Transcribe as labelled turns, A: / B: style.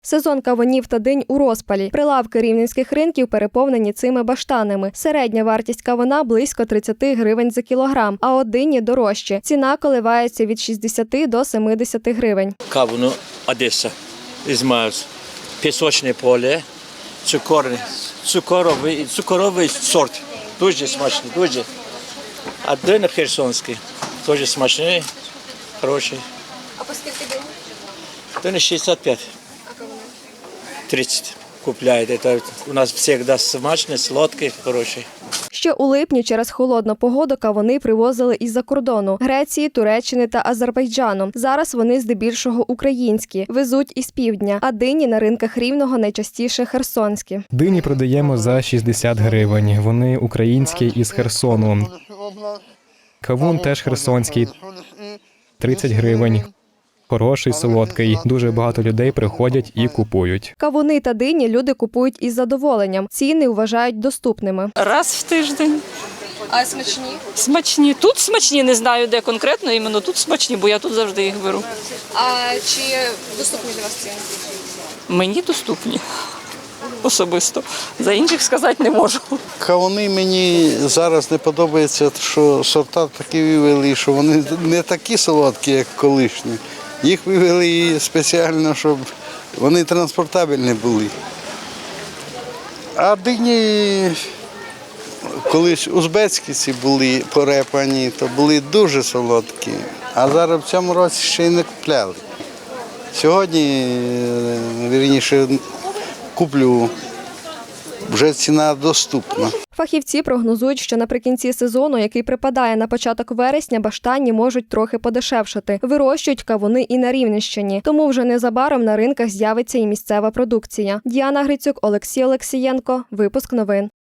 A: Сезон кавунів та динь у розпалі. Прилавки рівненських ринків переповнені цими баштанами. Середня вартість кавуна – близько 30 гривень за кілограм, а от дині дорожче. Ціна коливається від 60 до 70 гривень.
B: Кавуну Одеса, Ізмаїльськ, пісочне поле, цукровий сорт. Дуже смачний, дуже. А дин херсонський, теж смачний, хороший.
A: А по скільки динь?
B: Дин 65. 30 купляють. Это у нас завжди смачний, сладкий, хороший.
A: Ще у липні через холодну погоду кавуни привозили із-за кордону – Греції, Туреччини та Азербайджану. Зараз вони здебільшого українські, везуть із півдня, а дині на ринках Рівного найчастіше херсонські.
C: Дині продаємо за 60 гривень. Вони українські із Херсону. Кавун теж херсонський – 30 гривень. Хороший, солодкий. Дуже багато людей приходять і купують.
A: Кавуни та дині люди купують із задоволенням. Ціни вважають доступними.
D: Раз в тиждень.
A: А смачні?
D: Смачні. Тут смачні, не знаю, де конкретно, іменно тут смачні, бо я тут завжди їх беру.
A: А чи доступні для вас ціни?
D: Мені доступні. Особисто. За інших сказати не можу.
E: Кавуни мені зараз не подобається, що сорта такі вивели, що вони не такі солодкі, як колишні. Їх вивели спеціально, щоб вони транспортабельні були. А дині колись узбецькі ці були порепані, то були дуже солодкі. А зараз в цьому році ще й не купляли. Сьогодні, вірніше, куплю. Вже ціна доступна.
A: Фахівці прогнозують, що наприкінці сезону, який припадає на початок вересня, баштанні можуть трохи подешевшати. Вирощують кавуни і на Рівненщині. Тому вже незабаром на ринках з'явиться і місцева продукція. Діана Грицюк, Олексій Олексієнко. Випуск новин.